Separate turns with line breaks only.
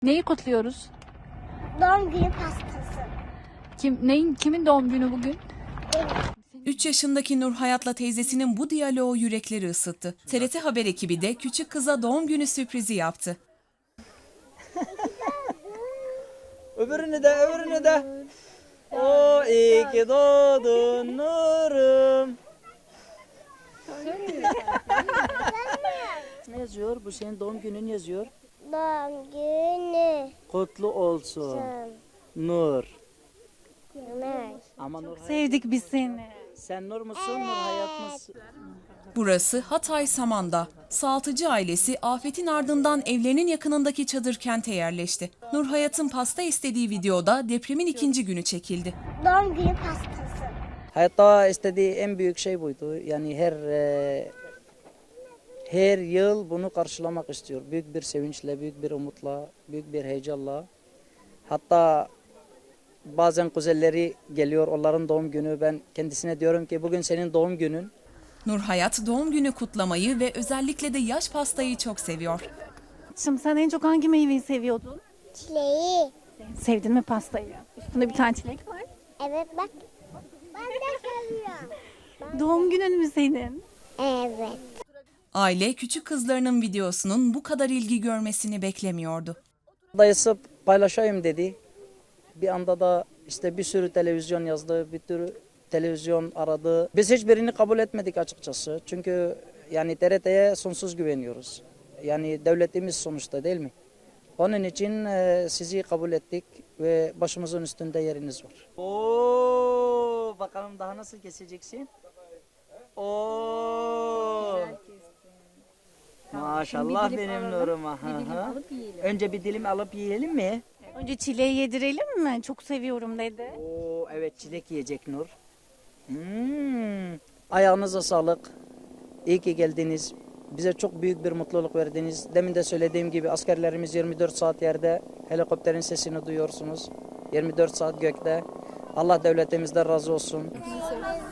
Neyi kutluyoruz?
Doğum günü pastası.
Kimin doğum günü bugün?
3 yaşındaki Nur Hayat'la teyzesinin bu diyaloğu yürekleri ısıttı. TRT Haber ekibi de küçük kıza doğum günü sürprizi yaptı.
Öbürünü de. O iyi ki doğdun Nur'um. Ne yazıyor? Bu senin doğum günün yazıyor.
Doğum günü.
Kutlu olsun Nur.
Ömer.
Ama Nur
Sevdik biz seni.
sen Nur musun, Nur Hayat mısın?
Burası Hatay Saman'da. Sağaltıcı ailesi afetin ardından evlerinin yakınındaki çadır kente yerleşti. Nur Hayat'ın pasta istediği videoda depremin 2. günü çekildi.
Doğum günü pastası.
Hayatta istediği en büyük şey buydu. Yani her yıl bunu karşılamak istiyor. Büyük bir sevinçle, büyük bir umutla, büyük bir heyecanla. Hatta bazen kuzenleri geliyor, onların doğum günü. Ben kendisine diyorum ki bugün senin doğum günün.
Nur Hayat doğum günü kutlamayı ve özellikle de yaş pastayı çok seviyor.
Şimdi sen en çok hangi meyveyi seviyordun?
Çileği.
Sevdin mi pastayı? Üstünde bir tane çilek var.
Evet bak. Ben de seviyorum.
Doğum günün mü senin?
Evet.
Aile küçük kızlarının videosunun bu kadar ilgi görmesini beklemiyordu.
Dayısı paylaşayım dedi. Bir anda da işte bir sürü televizyon yazdı, bir sürü televizyon aradı. Biz hiçbirini kabul etmedik açıkçası. Çünkü yani TRT'ye sonsuz güveniyoruz. Yani devletimiz sonuçta, değil mi? Onun için sizi kabul ettik ve başımızın üstünde yeriniz var. Oo, bakalım daha nasıl keseceksin? Oo. Maşallah benim Nur'uma. Önce bir dilim alıp yiyelim mi?
Önce çileği yedirelim mi? Çok seviyorum dedi.
Oo, evet, çilek yiyecek Nur. Ayağınıza sağlık. İyi ki geldiniz. Bize çok büyük bir mutluluk verdiniz. Demin de söylediğim gibi askerlerimiz 24 saat yerde. Helikopterin sesini duyuyorsunuz. 24 saat gökte. Allah devletimizden razı olsun.